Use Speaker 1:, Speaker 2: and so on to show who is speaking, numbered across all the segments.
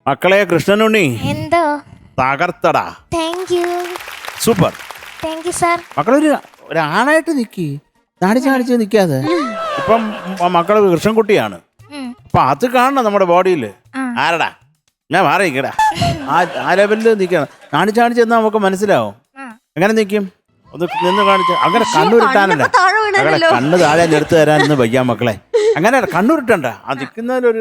Speaker 1: മക്കളെ കൃഷ്ണനുണ്ണി
Speaker 2: എന്തോ
Speaker 1: തകർത്തടാ.
Speaker 2: Thank you
Speaker 1: super.
Speaker 2: Thank you sir.
Speaker 1: മക്കളൊരു ആണായിട്ട് നിക്കി, നാണിച്ച് നിക്കാതെ. ഇപ്പം മക്കള് കൃഷ്ണൻകുട്ടിയാണ്. അപ്പൊ അത് കാണണം നമ്മുടെ ബോഡിയിൽ. ആരടാ ഞാൻ മാറിക്കടാ, ആ ലെവലിൽ നിക്കണം. നാണിച്ച് എന്നാ നമുക്ക് മനസ്സിലാവും. എങ്ങനെ നിൽക്കും ഒന്ന് നിന്ന് കാണിച്ച. അങ്ങനെ കണ്ണുരുട്ടാനല്ല, അങ്ങനെ കണ്ണ് താഴെ എടുത്തു തരാനൊന്നും വയ്യ മക്കളെ. അങ്ങനെ കണ്ണുരുട്ടണ്ട, ആ നിൽക്കുന്നതിലൊരു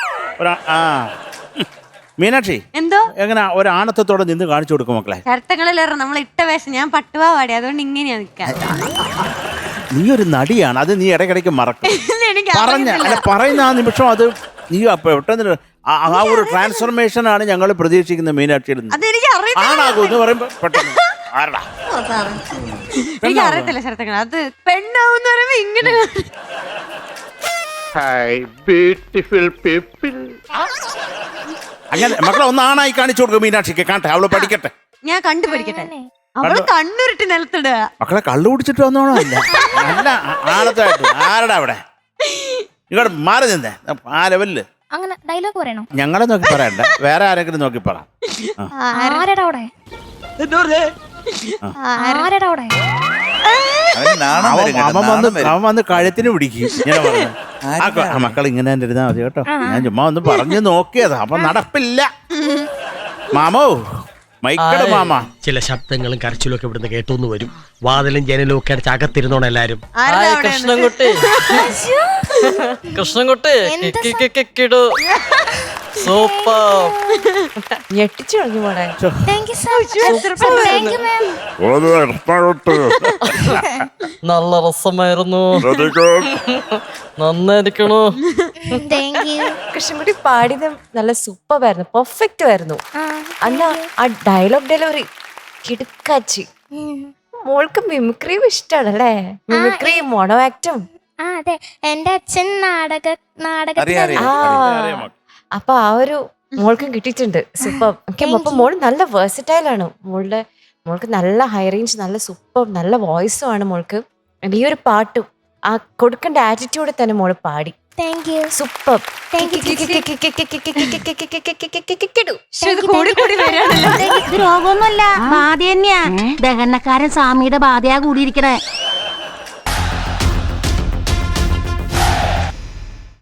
Speaker 1: മീനാക്ഷി
Speaker 3: എന്തോ
Speaker 1: എങ്ങനെ ഒരു ആണത്തത്തോടെ നിന്ന് കാണിച്ചു കൊടുക്കും മക്കളെ.
Speaker 3: ചർത്തങ്ങളിലേറെ നമ്മൾ ഇട്ട വേഷം ഞാൻ പട്ടുപാവാടി, അതുകൊണ്ട് ഇങ്ങനെയാ നിൽക്കാൻ.
Speaker 1: നീ ഒരു നടിയാണ്, അത് നീ ഇടയ്ക്കിടയ്ക്ക് മറക്കും.
Speaker 3: എനിക്ക്
Speaker 1: പറയുന്ന ആ നിമിഷം അത് നീ പെട്ടെന്ന് ആ ഒരു ട്രാൻസ്ഫർമേഷൻ ആണ് ഞങ്ങൾ പ്രതീക്ഷിക്കുന്നത് മീനാക്ഷിയിൽ നിന്ന്.
Speaker 3: അതെനിക്ക്
Speaker 1: ആണാകും എന്ന് പറയുമ്പോ പെട്ടെന്ന് ആരടാ
Speaker 3: എനിക്ക് അറിയത്തില്ല ചർത്തങ്ങൾ. അത് പെണ്ണാവെന്ന് പറയുമ്പോ ഇങ്ങനെ
Speaker 1: അങ്ങനെ മക്കളെ ഒന്ന് ആണായി കാണിച്ചു കൊടുക്കും മീനാക്ഷിക്ക്. കാണട്ടെ, അവള് പഠിക്കട്ടെ.
Speaker 3: ഞാൻ കണ്ടുപിടിക്കട്ടെ. അവള് കണ്ണുരുട്ടി നിലത്തിടുക.
Speaker 1: മക്കളെ കള്ളു കുടിച്ചിട്ട് വന്നോണോ? അല്ല നല്ല ആണത്തായിട്ട്. ആരടാ അവിടെ? ഇങ്ങോട്ട് മാറി നിന്നേ ആ ലെവലില്.
Speaker 2: അങ്ങനെ ഡയലോഗ് പറയണോ?
Speaker 1: ഞങ്ങളെ നോക്കി പറയണ്ട, വേറെ ആരെങ്കിലും നോക്കി പറ.
Speaker 2: ആരടാ അവിടെ? ആരടാ അവിടെ?
Speaker 1: അവൻ വന്ന് കഴുത്തിന് പിടിക്കും. ഇങ്ങനെ പറഞ്ഞു മക്കൾ ഇങ്ങനെ തന്നെ ഇരുന്നാ മതി കേട്ടോ. ഞാൻ ചുമ്മാ ഒന്ന് പറഞ്ഞു നോക്കിയതാ, അപ്പൊ നടപ്പില്ല. മാമോ മൈക്കട് മാമ.
Speaker 4: ചില ശബ്ദങ്ങളും കരച്ചിലും ഒക്കെ ഇവിടുന്ന് കേട്ടോന്ന് വരും. വാതിലും ജനലും ഒക്കെ അടച്ച് അകത്തിരുന്നോണം എല്ലാരും.
Speaker 5: കൃഷ്ണൻകുട്ടി കൃഷ്ണൻകുട്ടി സൂപ്പർ. ഞെട്ടിച്ചു കളഞ്ഞു മോളെ.
Speaker 2: Thank you sir. Thank you ma'am.
Speaker 5: നല്ല രസമായിരുന്നു, നന്നായിരിക്കണു.
Speaker 2: Thank you.
Speaker 6: കൃഷ്ണൻകുട്ടി പാടിയത് നല്ല സൂപ്പർ ആയിരുന്നു, പെർഫെക്റ്റ് ആയിരുന്നു. അല്ല ആ ഡയലോഗ് ഡെലിവറി കിടുക്കാച്ചി. മോൾക്ക് മിമിക്രിയും ഇഷ്ടമാണല്ലേ? മിമിക്രിയും മോണോ ആക്ടും.
Speaker 2: അതെ, എന്റെ അച്ഛൻ നാടകത്തിൽ.
Speaker 6: അപ്പൊ ആ ഒരു മോൾക്കും കിട്ടിയിട്ടുണ്ട്. സൂപ്പർ. അപ്പൊ മോള് നല്ല വേഴ്സറ്റൈൽ ആണ്. മോൾക്ക് നല്ല ഹൈ റേഞ്ച്, നല്ല സൂപ്പർ, നല്ല വോയിസും ആണ് മോൾക്ക്. ഈ ഒരു പാട്ടും ആ കൊടുക്കേണ്ട ആറ്റിറ്റ്യൂഡ് തന്നെ മോള് പാടി.
Speaker 2: Thank you.
Speaker 6: സൂപ്പർ.
Speaker 7: ഇത് രോഗമൊന്നുമല്ല, ബാധ തന്നെയാ. ദഹനക്കാരൻ സ്വാമിയുടെ ബാധയാ കൂടിയിരിക്കണേ.